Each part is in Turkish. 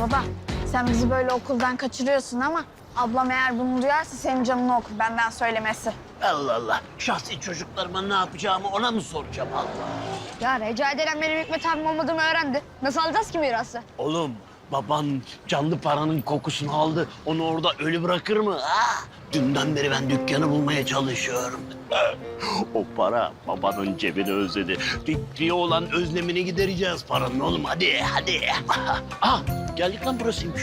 Baba, sen bizi böyle okuldan kaçırıyorsun ama ablam eğer bunu duyarsa senin canını okur benden söylemesi. Allah Allah. Şahsi çocuklarıma ne yapacağımı ona mı soracağım Allah? Ya Recai denen benim Hikmet abim olmadığımı öğrendi. Nasıl alacağız ki mirası? Oğlum baban canlı paranın kokusunu aldı. Onu orada ölü bırakır mı? Ha? Dünden beri ben dükkanı bulmaya çalışıyorum. O para babanın cebini özledi. Fikriye olan özlemini gidereceğiz paranın oğlum. Hadi hadi. Ah geldik lan burasıymış.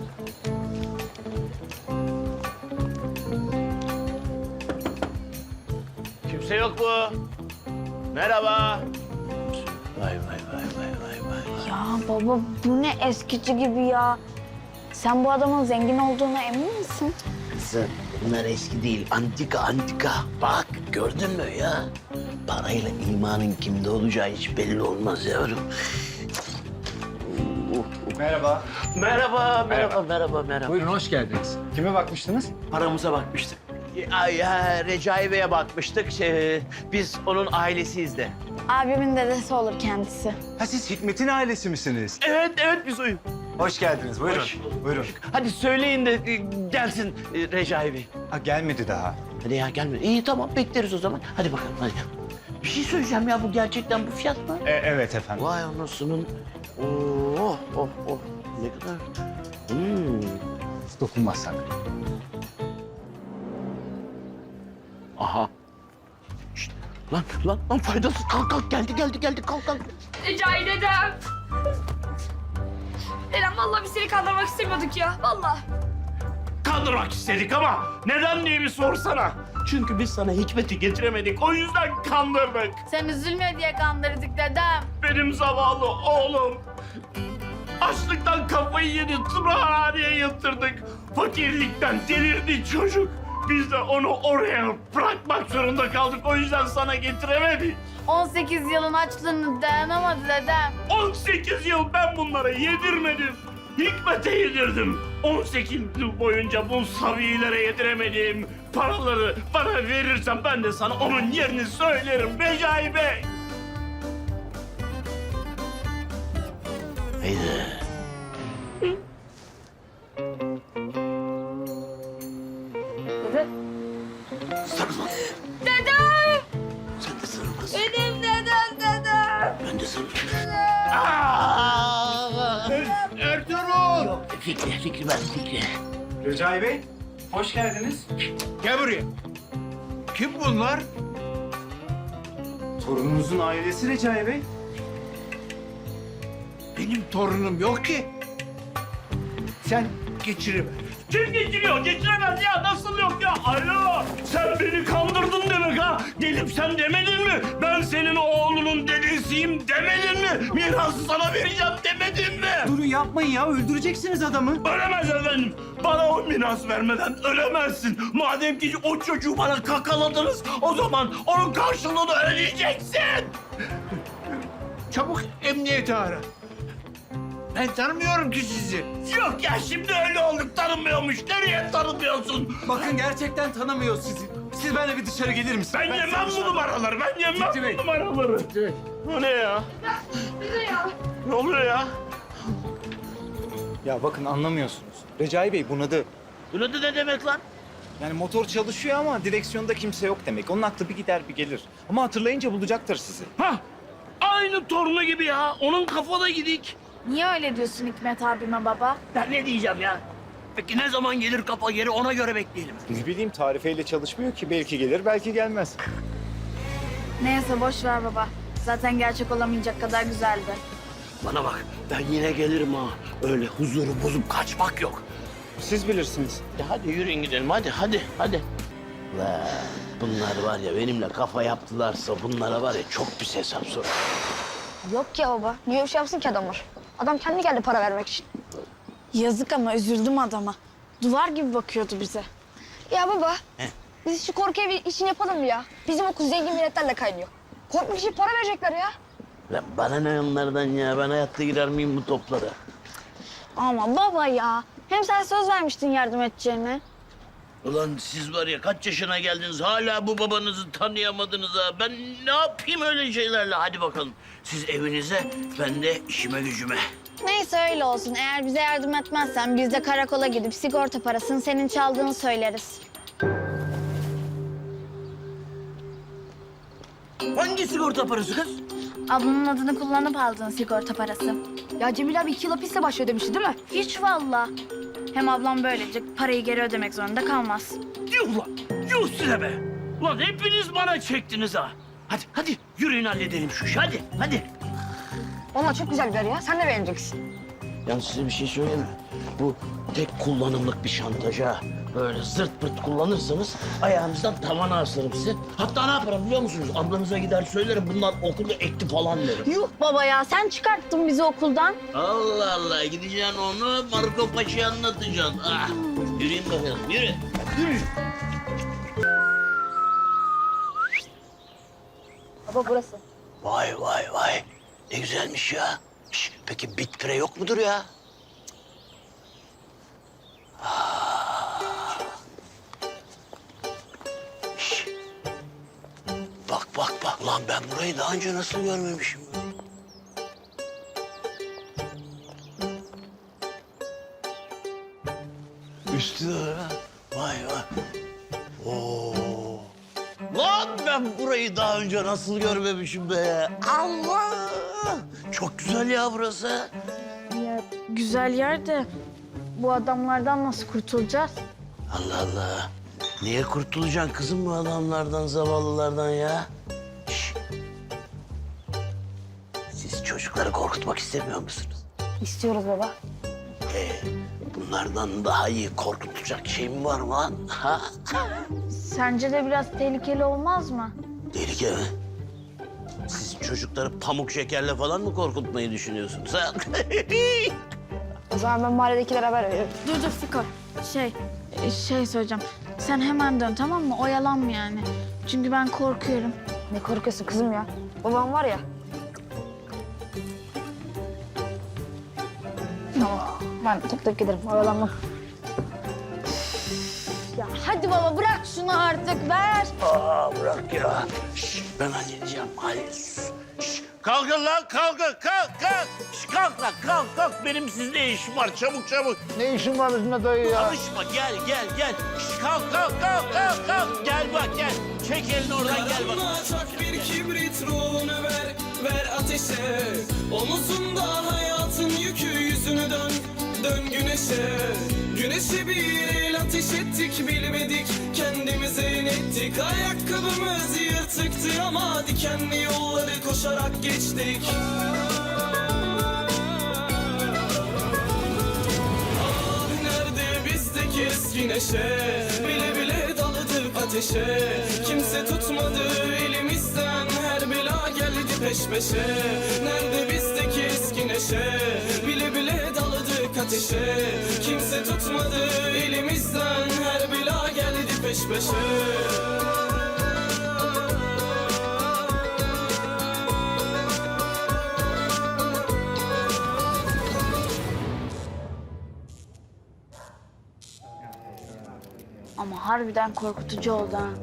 Kimse yok mu? Merhaba. Vay vay vay vay vay vay. Ya baba bu ne eskici gibi ya. Sen bu adamın zengin olduğuna emin misin? Kızım bunlar eski değil, antika antika. Bak gördün mü ya? Parayla imanın kimde olacağı hiç belli olmaz yavrum. Merhaba. Merhaba. Buyurun hoş geldiniz. Kime bakmıştınız? Paramıza bakmıştık. Recai Bey'e bakmıştık. Biz onun ailesiyiz de. Abimin dedesi olur kendisi. Ha siz Hikmet'in ailesi misiniz? Evet biz oyun. Hoş geldiniz. Buyurun. Hoş. Buyurun. Hadi söyleyin de gelsin Recai Bey. Ha gelmedi daha. Hadi ya gelme. İyi tamam bekleriz o zaman. Hadi bakalım hadi. Bir şey söyleyeceğim ya bu gerçekten bu fiyat mı? Evet efendim. Vay anasının. Oh. Ne kadar? Dokunmazsak. Aha. Şişt. Lan faydasız. Kalk geldi kalk. Recai dedem. Dedem vallahi biz seni kandırmak istemiyorduk ya. Vallahi. Kandırmak istedik ama neden diye bir sorsana. Çünkü biz sana Hikmet'i getiremedik. O yüzden kandırdık. Sen üzülme diye kandırdık dedem. Benim zavallı oğlum. Açlıktan kafayı yedi. Tımarhaneye yatırdık. Fakirlikten delirdi çocuk. Biz de onu oraya bırakmak zorunda kaldık. O yüzden sana getiremedik. 18 yılın açlığını dayanamadı dedem. 18 yıl ben bunlara yedirmedim. Hikmet'e yedirdim. 18 yıl boyunca bu sabilere yediremediğim paraları bana verirsen ben de sana onun yerini söylerim Recai Bey. Haydi. Sarılma. Dedem! Sen de sarıl kız. Benim dedem. Ben de sarıl. Ertuğrul! Yok Fikri ben Fikri. Recai Bey, hoş geldiniz. Gel buraya. Kim bunlar? Torununuzun ailesi Recai Bey. Benim torunum yok ki. Sen geçiriver. Kim geçiriyor? Geçiremez ya. Nasıl yok ya? Alo! Sen beni kandırdın demek ha? Gelip sen demedin mi? Ben senin oğlunun dedesiyim demedin mi? Mirası sana vereceğim demedin mi? Durun yapmayın ya, öldüreceksiniz adamı. Ölemez efendim. Bana o miras vermeden ölemezsin. Madem ki o çocuğu bana kakaladınız, o zaman onun karşılığını ödeyeceksin. Çabuk emniyeti ara. Ben tanımıyorum ki sizi. Yok ya şimdi öyle olduk tanımıyormuş. Nereye tanımıyorsun? Bakın gerçekten tanımıyor sizi. Siz benimle bir dışarı gelir misiniz? Ben yemem bu numaraları. Ben yemem Fikri Bey. bu numaraları. Evet. Bu ne ya? Bize ya. Ne oluyor ya? Ya bakın anlamıyorsunuz. Recai Bey bunadı. Bunu da ne demek lan? Yani motor çalışıyor ama direksiyonda kimse yok demek. Onun aklı bir gider bir gelir. Ama hatırlayınca bulacaktır sizi. Hah! Aynı torunu gibi ya. Onun kafada gidik. Niye öyle diyorsun Hikmet abime baba? Ben ne diyeceğim ya? Peki ne zaman gelir kafa geri ona göre bekleyelim. Ne bileyim tarifeyle çalışmıyor ki. Belki gelir belki gelmez. Neyse boş ver baba. Zaten gerçek olamayacak kadar güzeldi. Bana bak ben yine gelirim ha. Öyle huzuru bozup kaçmak yok. Siz bilirsiniz. Ya hadi yürüyün gidelim hadi. La bunlar var ya benimle kafa yaptılarsa bunlara var ya çok pis hesap sor. Yok ya baba. Niye bir şey yapsın ki adamlar? Adam kendi geldi para vermek için. Yazık ama üzüldüm adama. Duvar gibi bakıyordu bize. Ya baba. He. Biz şu korku evi işini yapalım mı ya? Bizim okul zengin milletlerle kaynıyor. Korkmak için para verecekler ya. Lan bana ne onlardan ya ben hayatta girer miyim bu toplara? Ama baba ya. Hem sen söz vermiştin yardım edeceğine. Ulan siz var ya kaç yaşına geldiniz hala bu babanızı tanıyamadınız ha. Ben ne yapayım öyle şeylerle hadi bakalım. Siz evinize ben de işime gücüme. Neyse öyle olsun. Eğer bize yardım etmezsen biz de karakola gidip sigorta parasını senin çaldığını söyleriz. Hangi sigorta parası kız? Ablanın adını kullanıp aldığın sigorta parası. Ya Cemil abi 2 yıl hapiste başlıyor demişti değil mi? Hiç valla. Hem ablam böylece parayı geri ödemek zorunda kalmaz. Yuh lan! Yuh size be! Ulan hepiniz bana çektiniz ha! Hadi yürüyün halledelim şu işi hadi. Vallahi çok güzel bir yer ya. Sen de beğeneceksin. Yalnız size bir şey söyleyeyim mi? Bu tek kullanımlık bir şantaj ha. Böyle zırt pırt kullanırsanız ayağınızdan tavana asarım sizi. Hatta ne yaparım biliyor musunuz? Ablanıza gider söylerim bunlar okulda ekti falan derim. Yuh baba ya, sen çıkarttın bizi okuldan. Allah Allah gideceksin onu Marco Paşa'ya anlatacaksın. Ah. Yürüyün bakalım yürü. Baba burası. Vay. Ne güzelmiş ya. Şş, peki bit pire yok mudur ya? Şş. Bak. Lan ben burayı daha önce nasıl görmemişim ya? Üstü de öyle. Vay. Oo. Lan ben burayı daha önce nasıl görmemişim be? Allah! Çok güzel ya burası. Ya güzel yer de bu adamlardan nasıl kurtulacağız? Allah. Niye kurtulacaksın kızım bu adamlardan, zavallılardan ya? Şş. Siz çocukları korkutmak istemiyor musunuz? İstiyoruz baba. Bunlardan daha iyi korkutacak şey mi var mı lan? Ha? Sence de biraz tehlikeli olmaz mı? Tehlike mi? Siz çocukları pamuk şekerle falan mı korkutmayı düşünüyorsunuz ha? O zaman ben mahalledekilere haber veririm. Dur Fiko. Şey söyleyeceğim. Sen hemen dön, tamam mı? Oyalanma yani. Çünkü ben korkuyorum. Ne korkuyorsun kızım ya? Babam var ya. Tamam. Ben tık giderim. Oyalanmam. Ya hadi baba bırak şunu artık, ver. Bırak ya. Şş, ben halledeceğim. Şş, kalkın lan kalk. Şş, kalk lan kalk. Benim sizle işim var çabuk. Ne işin var bizimle dayı ya? Alışma gel. Şş, kalk. Gel bak gel. Çek elini oradan gel bak. Çak bir kibrit ruhunu ver ateşe. Omuzunda hayatın yükü yüzünü dön güneşe. Güneşe bir el ateş ettik bilmedik kendimize inettik. Ayakkabımız yırtıktı ama dikenli yolları koşarak geçtik. Ah nerede bizdeki eski neşe, bile daladık ateşe. Kimse tutmadı elimizden, her bela geldi peş peşe. Nerede bizdeki eski neşe, bile daladık ateşe. Kimse tutmadı elimizden, her bela geldi peş peşe. Ama harbiden korkutucu oldu ha.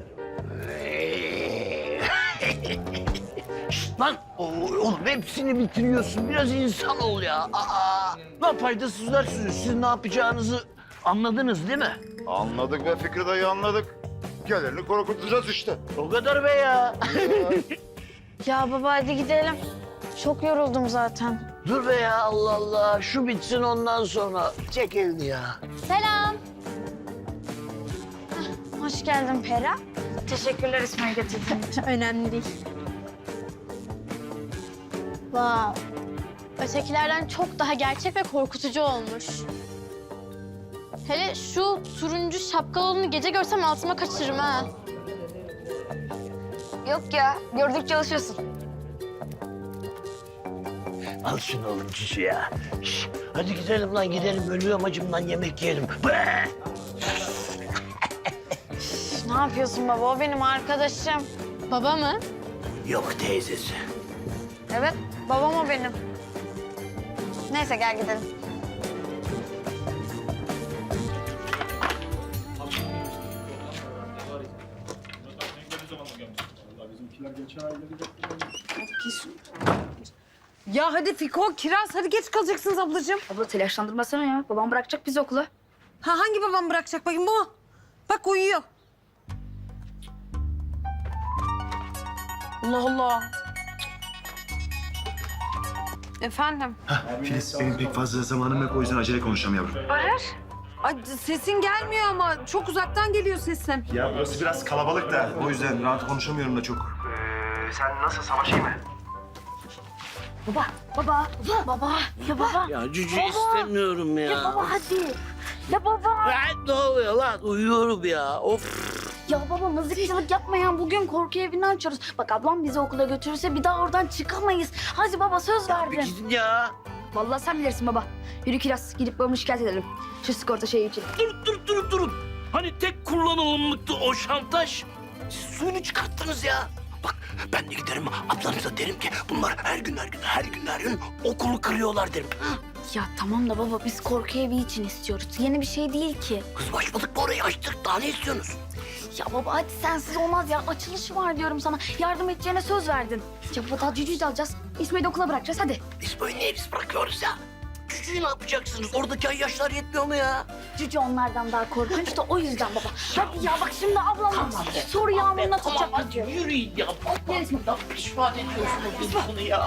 Şşt, lan oğlum hepsini bitiriyorsun. Biraz insan ol ya. Lan faydasızlar siz ne yapacağınızı anladınız değil mi? Anladık be Fikri dayı anladık. Gelerini korkutacağız işte. O kadar be ya. Ya baba hadi gidelim. Çok yoruldum zaten. Dur be ya Allah. Şu bitsin ondan sonra. Çek elini ya. Selam. Hoş geldin Pera. Teşekkürler İsmail getirdiğin için. Önemli değil. Wow. Ötekilerden çok daha gerçek ve korkutucu olmuş. Hele şu turuncu şapkalı olanı gece görsem altıma kaçırırım ha. Yok ya. Gördükçe alışıyorsun. Al şunu oğlum cücü ya. Şş, hadi gidelim lan gidelim. Ölüyorum acımdan yemek yiyelim. Be! Ne yapıyorsun baba? O benim arkadaşım. Baba mı? Yok teyzesi. Evet, babam o benim. Neyse gel gidelim. Ya hadi Fiko, Kiraz hadi geç kalacaksınız ablacığım. Abla telaşlandırmasana ya. Babam bırakacak bizi okula. Ha hangi babam bırakacak bakayım bu mu? Bak uyuyor. Allah Allah. Efendim? Filiz, benim pek fazla zamanım yok. O yüzden acele konuşacağım yavrum. Ay sesin gelmiyor ama çok uzaktan geliyor sesin. Ya burası biraz kalabalık da. O yüzden rahat konuşamıyorum da çok. Sen nasıl savaşayım mı? Baba. Ya baba. Ya cücü istemiyorum ya. Ya baba hadi. Ya baba. Lan ne oluyor lan? Uyuyorum ya. Of. Ya baba mızıkçılık yapmayan bugün korku evini açıyoruz. Bak ablam bizi okula götürürse bir daha oradan çıkamayız. Hadi baba söz Bir verdin. gidin ya. Vallahi sen bilirsin baba. Yürü Kiraz gidip babamı şikayet edelim. Şu sigorta şeyi için. Durun. Hani tek kullanılımlıktı o şantaj. Siz suyunu çıkarttınız ya. Bak ben de giderim ablanıza derim ki bunlar her gün okulu kırıyorlar derim. Ha? Ya tamam da baba biz korku evi için istiyoruz. Yeni bir şey değil ki. Kızım açmadık mı orayı açtık daha ne istiyorsunuz? Ya baba hadi sensiz olmaz ya. Açılışı var diyorum sana. Yardım edeceğine söz verdin. Ya baba daha cücüğü de alacağız. İsmail'i de okula bırakacağız hadi. Biz böyle niye biz bırakıyoruz ya? Cücüğü ne yapacaksınız? Oradaki ay yaşlar yetmiyor mu ya? Cüce onlardan daha korkunç da o yüzden baba. Hadi ya bak şimdi ablam soru yağmuruna tutacak. hadi yürüyün ya. Allah'ım pişman ediyorsunuz biz bunu ya.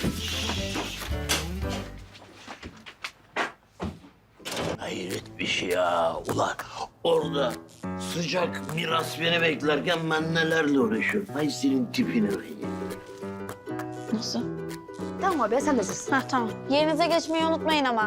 Hayret bir şey ya. Ulan orada sıcak miras beni beklerken ben nelerle uğraşıyorum. Ay senin tipine ben. Nasıl? Tamam abi sen de sus. Heh tamam. Yerinize geçmeyi unutmayın ama.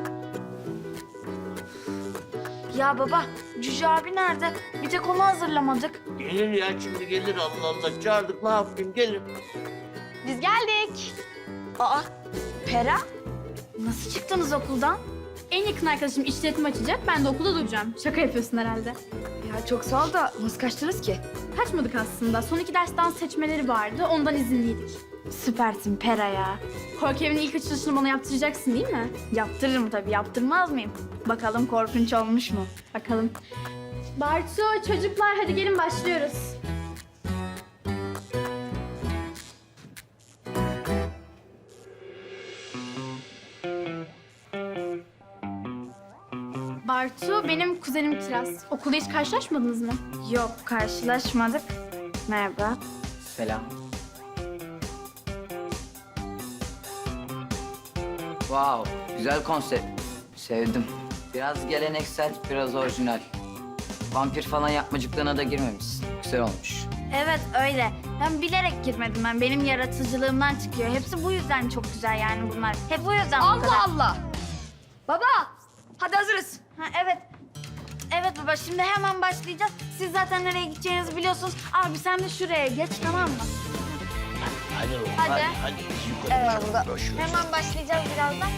Ya baba, Cüce abi nerede? Bir tek onu hazırlamadık. Gelir ya şimdi gelir Allah Allah. Çağırdık ne yapayım gelir. Biz geldik. Aa, Pera? Nasıl çıktınız okuldan? En yakın arkadaşım işletme açacak. Ben de okulda duracağım. Şaka yapıyorsun herhalde. Ya çok sağ ol da nasıl kaçtınız ki? Kaçmadık aslında. Son 2 ders dans seçmeleri vardı. Ondan izinliydik. Süpersin Pera ya. Korku evinin ilk açılışını bana yaptıracaksın değil mi? Yaptırırım tabii, yaptırmaz mıyım? Bakalım korkunç olmuş mu? Bakalım. Bartu, çocuklar hadi gelin başlıyoruz. Bartu, benim kuzenim Kiraz. Okulda hiç karşılaşmadınız mı? Yok, karşılaşmadık. Merhaba. Selam. Wow, güzel konsept. Sevdim. Biraz geleneksel, biraz orijinal. Vampir falan yapmacıklarına da girmemişsin. Güzel olmuş. Evet öyle. Ben bilerek girmedim ben. Benim yaratıcılığımdan çıkıyor. Hepsi bu yüzden çok güzel yani bunlar. Hep bu yüzden bu kadar. Allah Allah! Baba! Hadi hazırız. Ha, evet. Evet baba şimdi hemen başlayacağız. Siz zaten nereye gideceğinizi biliyorsunuz. Abi sen de şuraya geç tamam mı? Hadi oğlum, Hadi. hadi biz yukarı çıkalım, boş ver. Hemen başlayacağız birazdan.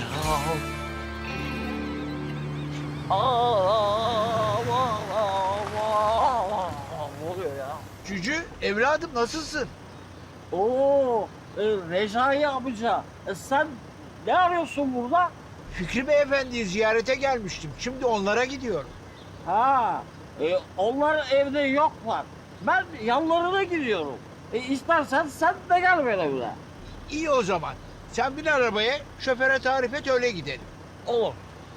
Ne oluyor ya? Cücü, evladım nasılsın? Oo, Recai amca, sen ne arıyorsun burada? Fikri Beyefendi'yi ziyarete gelmiştim. Şimdi onlara gidiyorum. Ha, onlar evde yoklar. Ben yanlarına gidiyorum. İstersen sen de gel benimle. İyi o zaman. Sen bin arabaya, şoföre tarif et öyle gidelim. Olur.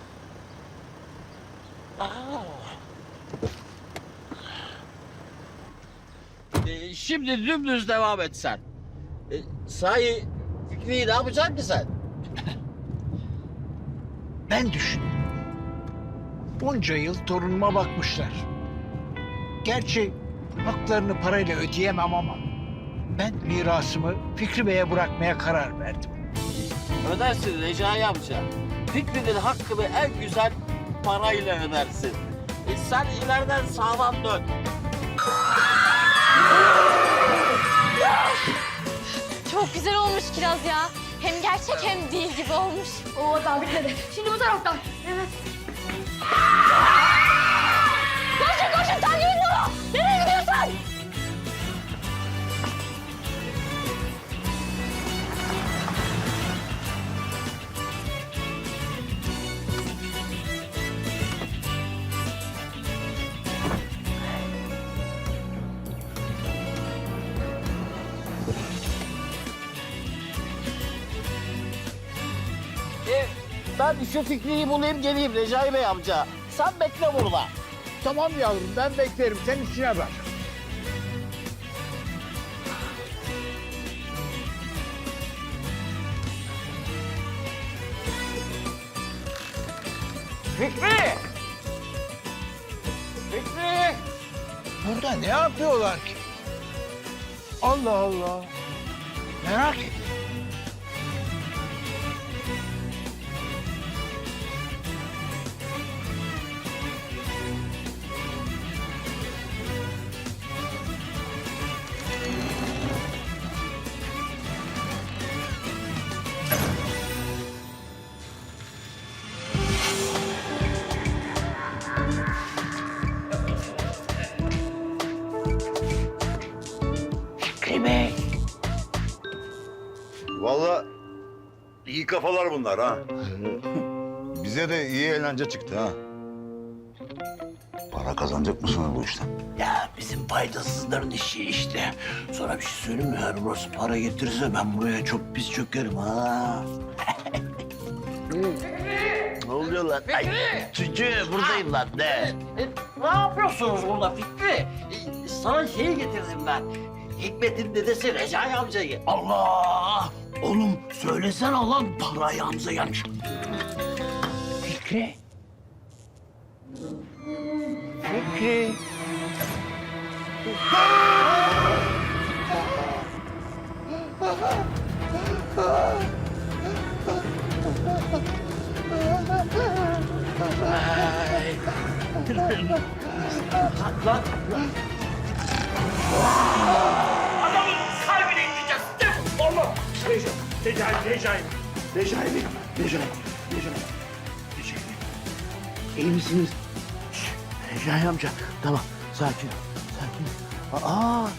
Şimdi dümdüz devam et sen. Sahi Fikri'yi ne yapacaksın ki sen? Ben düşündüm. Bunca yıl torunuma bakmışlar. Gerçi haklarını parayla ödeyemem ama ben mirasımı Fikri Bey'e bırakmaya karar verdim. Ödersin Recai amca. Fikri'nin hakkını en güzel parayla ödersin. Sen ileriden sağdan dön. Çok güzel olmuş Kiraz ya. Hem gerçek hem değil gibi olmuş. Oo daha bitmedi. Şimdi bu taraftan. Evet. Koşun takip edin onu. Nereye gidiyorsun? Ben şu Fikri'yi bulayım geleyim Recai Bey amca. Sen bekle burada. Tamam yavrum ben beklerim. Sen işine bak. Fikri! Fikri! Burada ne yapıyorlar ki? Allah Allah. Merak ettim. Fikri Bey. Vallahi iyi kafalar bunlar ha. Bize de iyi eğlence çıktı ha. Para kazanacak mısınız bu işten? Ya bizim faydasızların işi işte. Sonra bir şey söyleyeyim mi? Eğer burası para getirirse ben buraya çok pis çökerim ha. Ne oluyor lan? Ay, çocuğu buradayım lan ne? Ne yapıyorsunuz burada Fikri? Sana şeyi getirdim ben. Hikmet'in dedesi Recai amcayı. Allah! Oğlum söylesene lan parayı Hamza gelmiş. Fikri. Fikri. Adamın kalbine gideceğiz. Allah. Recai. İyi misiniz? Şş, Recai amca. Tamam sakin ol. Sakin ol.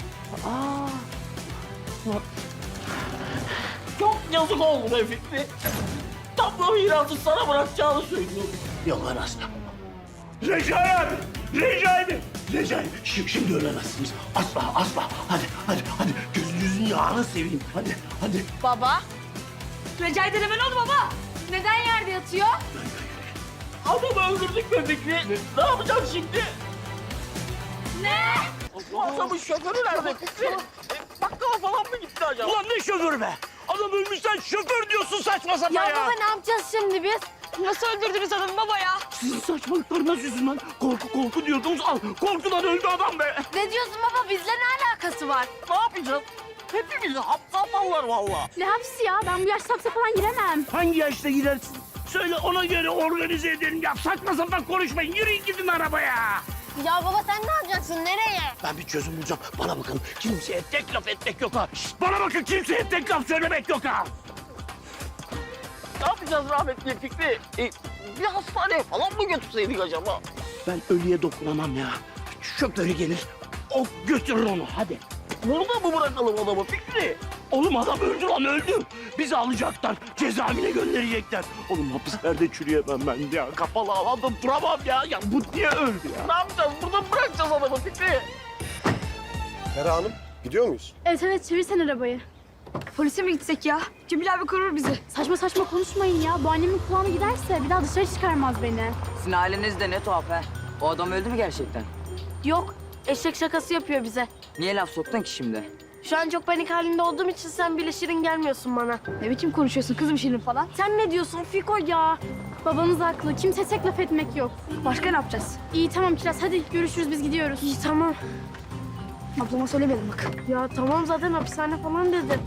Çok yazık oldu be Fikri. Tam bu mirası sana bırakacağını söylüyorum. Yok anasını. Recai. Şimdi ölemezsiniz. Asla. Hadi. Gözünüzün yağını seveyim. Hadi. Baba, Recai dedeme ne oldu baba? neden yerde yatıyor? Adamı öldürdük be Fikri. Ne yapacağız şimdi? Ne? Bu adamın şoförü nerede Fikri? Bakkala falan mı gitti acaba? Ulan ne şoför be? Adam ölmüş sen şoför diyorsun saçma sapan Ya baba ne yapacağız şimdi biz? Nasıl öldürdünüz adamı baba ya? Sizin saçmalıklarına yüzün lan. Korku diyordunuz. Al korkudan öldü adam be. Ne diyorsun baba? Bizle ne alakası var? Ne yapacağız? Hepimizi hapse atarlar valla. Ne hapsi ya? Ben bu yaşta hapse falan giremem. Hangi yaşta gidersin? Söyle ona göre organize edelim ya. Saçma sapan konuşmayın. Yürüyün gidin arabaya. Ya baba sen ne yapacaksın? Nereye? Ben bir çözüm bulacağım. Bana bakın. Kimseye tek laf etmek yok ha. Şişt, bana bakın kimseye tek laf söylemek yok ha. Ne yapacağız rahmetli Fikri? Bir hastaneye falan mı götürseydik acaba? Ben ölüye dokunamam ya. Şoförü gelir. O götürür onu hadi. Burada mı bırakalım adamı Fikri? Oğlum adam öldü lan öldü. Bizi alacaklar. Cezaevine gönderecekler. Oğlum hapislerde çürüyemem ben ya. Kapalı alanda duramam ya. Ya bu niye öldü ya? Ne yapacağız? Burada mı bırakacağız adamı Fikri? Ferah Hanım, gidiyor muyuz? Evet çevirsen arabayı. Polise mi gitsek ya? Cemil abi korur bizi. Saçma konuşmayın ya. Bu annemin kulağına giderse bir daha dışarı çıkarmaz beni. Sizin aileniz de ne tuhaf ha. O adam öldü mü gerçekten? Yok. Eşek şakası yapıyor bize. Niye laf soktun ki şimdi? Şu an çok panik halinde olduğum için sen bile şirin gelmiyorsun bana. Ne biçim konuşuyorsun kızım Şirin falan? Sen ne diyorsun Fiko ya? Babanız haklı. Kimse tek laf etmek yok. Başka ne yapacağız? İyi tamam Kiraz hadi görüşürüz biz gidiyoruz. İyi tamam. Ablama söylemedim bak. Ya tamam zaten hapishane falan dedim.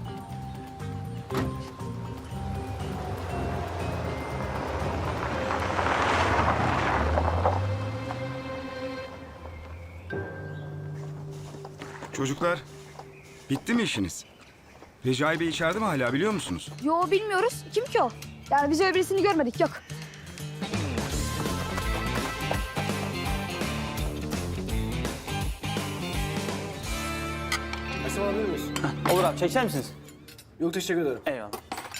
Çocuklar, bitti mi işiniz? Recai Bey içeride mi hala biliyor musunuz? Yo bilmiyoruz. Kim ki o? Yani biz öyle birisini görmedik yok. Olur abi çeker misiniz? Yok, teşekkür ederim. Eyvallah.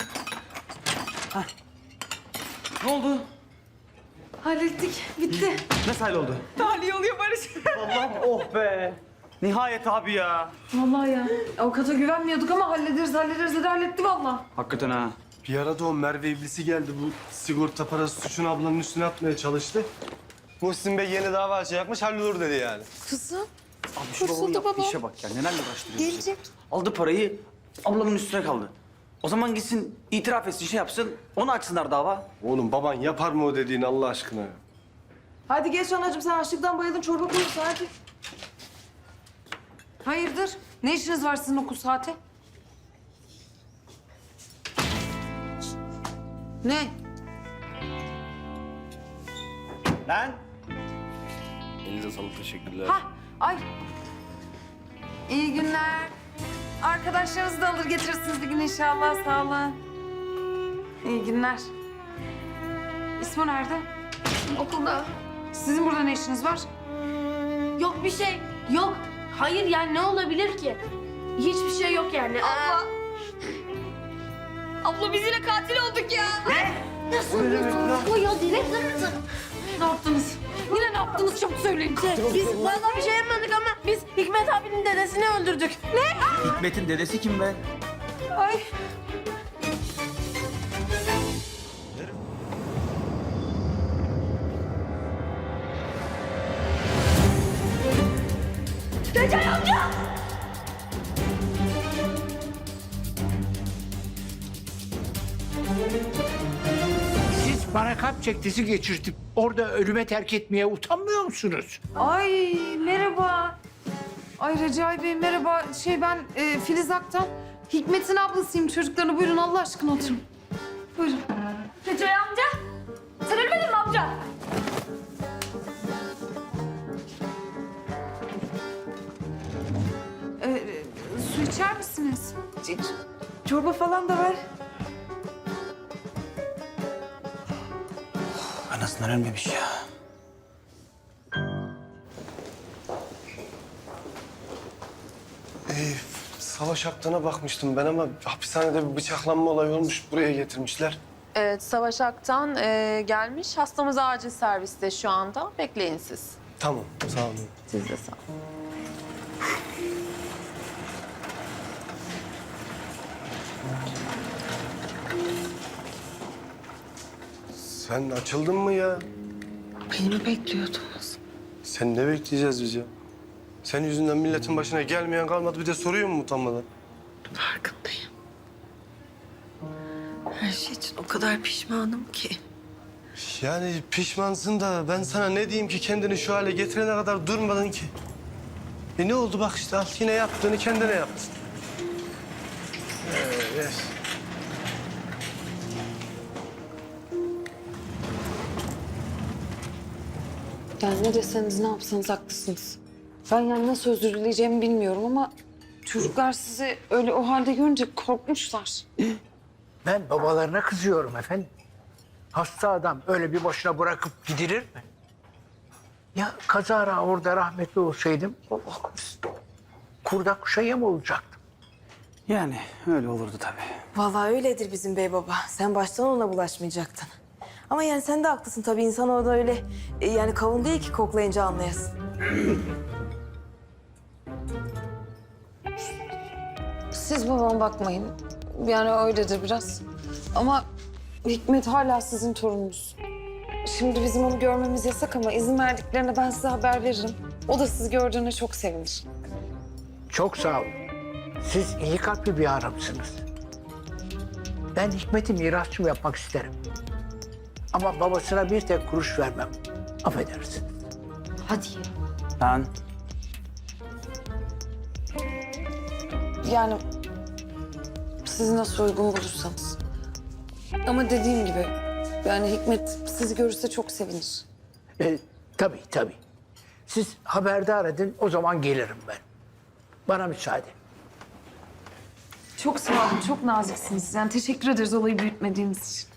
Ne oldu? Hallettik. Bitti. Nasıl halloldu? Tahliye oluyor Barış. Allah'ım oh be. Nihayet abi ya. Vallahi ya. Avukata güvenmiyorduk ama hallederiz dedi halletti vallahi. Hakikaten ha. Bir ara da o Merve iblisi geldi. Bu sigorta parası suçunu ablanın üstüne atmaya çalıştı. Muhsin Bey yeni dava açacakmış, hallolur dedi yani. Kızım. Abi şu babamın yaptığı işe bak ya. Nelerle uğraştırıyor bizi. Gelecek. Aldı parayı, ablamın üstüne kaldı. O zaman gitsin itiraf etsin, şey yapsın. Onu açsınlar dava. Oğlum baban yapar mı o dediğini Allah aşkına ya? Hadi geç anacığım, sen açlıktan bayıldın, çorba koyuyorsun hadi. Hayırdır? Ne işiniz var sizin okul saati? Ne? Lan! Elinize sağlık, teşekkürler. Ha, ay. İyi günler. Arkadaşlarınızı da alır getirirsiniz bir gün inşallah. Sağ olun. İyi günler. İsmo nerede? Okulda. Sizin burada ne işiniz var? Yok bir şey. Yok. Hayır yani ne olabilir ki? Hiçbir şey yok yani. Abla biz yine katil olduk ya. Nasıl bir ya direkt nasıl? Ne yaptınız? Yine ne yaptınız? Çabuk söyleyin. Biz vallahi bir şey yapmadık ama biz Hikmet abinin dedesini öldürdük. Ne? Hikmet'in dedesi kim be? Ay. Siz bana kalp çektisi geçirtip orada ölüme terk etmeye utanmıyor musunuz? Ay merhaba. Ay Recai Bey merhaba. Ben Filiz Aktan. Hikmet'in ablasıyım. Çocuklarına buyurun Allah aşkına oturun. Buyurun. Recai amca. Sen ölmedin mi amca? Su içer misiniz? Çorba falan da ver. Anasından ölmemiş ya. Savaş Aktan'a bakmıştım ben ama hapishanede bir bıçaklanma olayı olmuş. Buraya getirmişler. Evet Savaş Aktan gelmiş. Hastamız acil serviste şu anda. Bekleyin siz. Tamam, sağ olun. Siz de sağ olun. Sen açıldın mı ya? Beni mi bekliyordunuz? Sen ne bekleyeceğiz biz ya? Senin yüzünden milletin başına gelmeyen kalmadı. Bir de soruyor mu utanmadan? Farkındayım. Her şey için o kadar pişmanım ki. Yani pişmansın da ben sana ne diyeyim ki kendini şu hale getirene kadar durmadın ki. Ne oldu bak işte al yine yaptığını kendine yaptın. Evet. Yani ne deseniz ne yapsanız haklısınız. Ben yani nasıl özür dileyeceğimi bilmiyorum ama çocuklar sizi öyle o halde görünce korkmuşlar. Ben babalarına kızıyorum efendim. Hasta adam öyle bir boşuna bırakıp gidilir mi? Ya kazara orada rahmetli olsaydım Allah korusun. Kurda kuşa yem olacaktım. Yani öyle olurdu tabii. Vallahi öyledir bizim bey baba. Sen baştan ona bulaşmayacaktın. Ama yani sen de haklısın tabii. İnsan orada öyle yani kavun değil ki koklayınca anlayasın. Siz babama bakmayın. Yani öyledir biraz. Ama Hikmet hala sizin torununuz. Şimdi bizim onu görmemiz yasak ama izin verdiklerine ben size haber veririm. O da sizi gördüğüne çok sevinir. Çok sağ olun. Siz iyi kalpli bir hanımsınız. Ben Hikmet'i mirasçım yapmak isterim. Ama babasına bir tek kuruş vermem. Affedersin. Hadi ya. Lan Yani siz nasıl uygun bulursanız. Ama dediğim gibi yani Hikmet sizi görürse çok sevinir. Tabii. Siz haberdar edin, o zaman gelirim ben. Bana müsaade. Çok sağ olun, çok naziksiniz. Yani teşekkür ederiz olayı büyütmediğiniz için.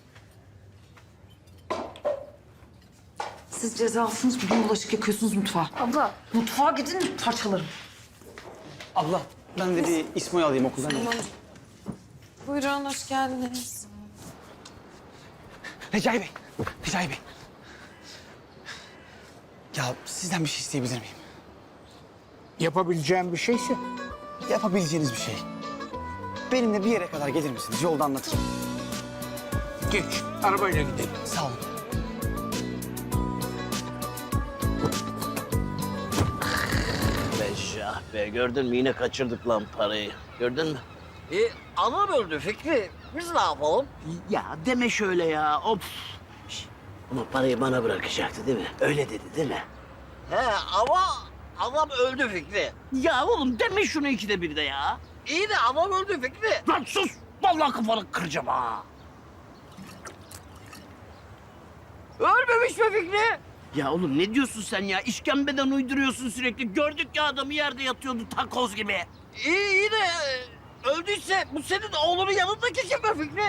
Siz cezalısınız, bugün bulaşık yakıyorsunuz mutfağa. Abla. Mutfağa gidin, parçalarım. abla ben de bir İsmo'yu alayım okuldan. Buyurun, hoş geldiniz. Recai Bey. Ya sizden bir şey isteyebilir miyim? Yapabileceğim bir şeyse. Yapabileceğiniz bir şey. Benimle bir yere kadar gelir misiniz? Yolda anlatırım. Geç, arabayla gidelim. Sağ olun. Beşah be, gördün mü yine kaçırdık lan parayı. Gördün mü? Anam öldü Fikri. Biz ne yapalım? Ya deme şöyle ya. Of. Şş, ama parayı bana bırakacaktı değil mi? Öyle dedi değil mi? He ama adam öldü Fikri. Ya oğlum deme şunu ikide bir de ya. İyi de adam öldü Fikri. Lan sus! Vallahi kafanı kıracağım ha. Ölmemiş mi Fikri? Ya oğlum ne diyorsun sen ya? İşkembeden uyduruyorsun sürekli. Gördük ya adamı yerde yatıyordu takoz gibi. İyi de öldüyse bu senin oğlunun yanındaki kim be Fikri?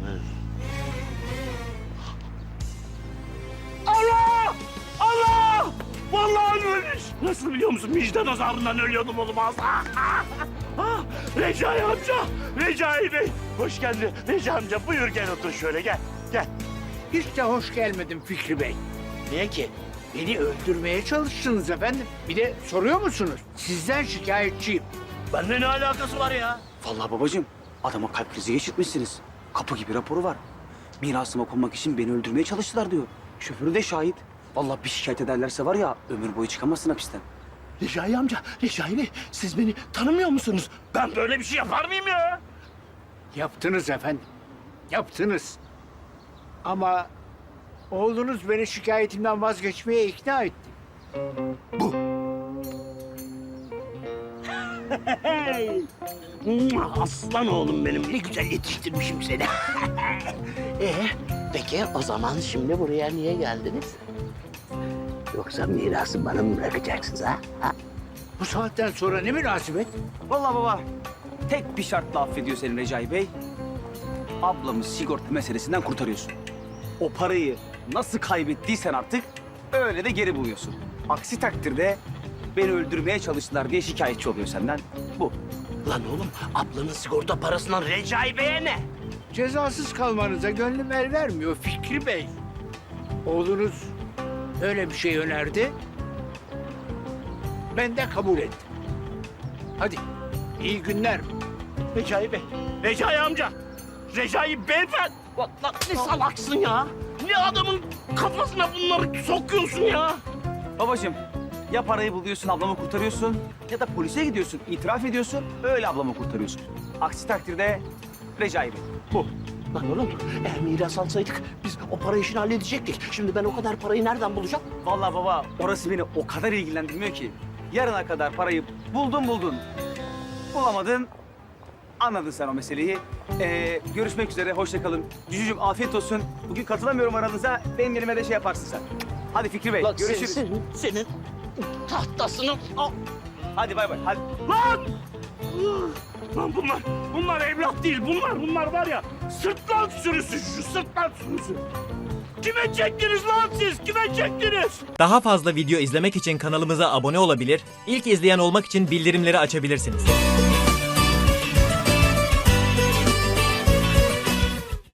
Allah! Allah! Vallahi ölmüş. Nasıl biliyor musun? Vicdan azabından ölüyordum oğlum az. Recai amca! Recai Bey! Hoş geldin. Recai amca buyur gel otur şöyle gel. Gel. Hiç de hoş gelmedim Fikri Bey. Niye ki? Beni öldürmeye çalıştınız efendim. Bir de soruyor musunuz? Sizden şikayetçiyim. Bende ne alakası var ya? Vallahi babacığım, adama kalp krizi geçirtmişsiniz. Kapı gibi raporu var. Mirasıma konmak için beni öldürmeye çalıştılar diyor. Şoförü de şahit. Vallahi bir şikayet ederlerse var ya, ömür boyu çıkamazsın hapisten. Recai amca, Recai Bey siz beni tanımıyor musunuz? Ben böyle bir şey yapar mıyım ya? Yaptınız efendim. Yaptınız. Ama oğlunuz beni şikayetimden vazgeçmeye ikna etti. Hey! Aslan oğlum benim. Ne güzel yetiştirmişim seni. Peki o zaman şimdi buraya niye geldiniz? Yoksa mirası bana mı bırakacaksınız ha? Bu saatten sonra ne münasebet? Vallahi baba, tek bir şartla affediyor seni Recai Bey. Ablamı sigorta meselesinden kurtarıyorsun. O parayı nasıl kaybettiysen artık öyle de geri buluyorsun. Aksi takdirde beni öldürmeye çalıştılar diye şikayetçi oluyor senden. Bu. Lan oğlum ablanın sigorta parasından Recai Bey'e ne? Cezasız kalmanıza gönlüm el vermiyor Fikri Bey. Oğlunuz öyle bir şey önerdi. Ben de kabul ettim. Hadi iyi günler. Recai Bey, Recai amca, Recai beyefendi. Lan ne salaksın ya? Ne adamın kafasına bunları sokuyorsun ya? Babacığım, ya parayı buluyorsun, ablamı kurtarıyorsun ya da polise gidiyorsun, itiraf ediyorsun, öyle ablamı kurtarıyorsun. Aksi takdirde Recai Bey. Bu. Lan oğlum eğer miras alsaydık biz o para işini halledecektik. Şimdi ben o kadar parayı nereden bulacağım? Vallahi baba, orası beni o kadar ilgilendirmiyor ki. Yarına kadar parayı buldun. Bulamadın, anladın sen o meseleyi. Görüşmek üzere, hoşça kalın. Cücücüm afiyet olsun. Bugün katılamıyorum aranıza, benim yerime de şey yaparsın sen. Hadi Fikri Bey, Lan görüşürüz. senin tahtasını... Al. Hadi bay bay, hadi. Lan! Lan bunlar evlat değil. Bunlar var ya sırtlan sürüsü şu sırtlan sürüsü. Kime çektiniz lan siz? Kime çektiniz? Daha fazla video izlemek için kanalımıza abone olabilir, ilk izleyen olmak için bildirimleri açabilirsiniz.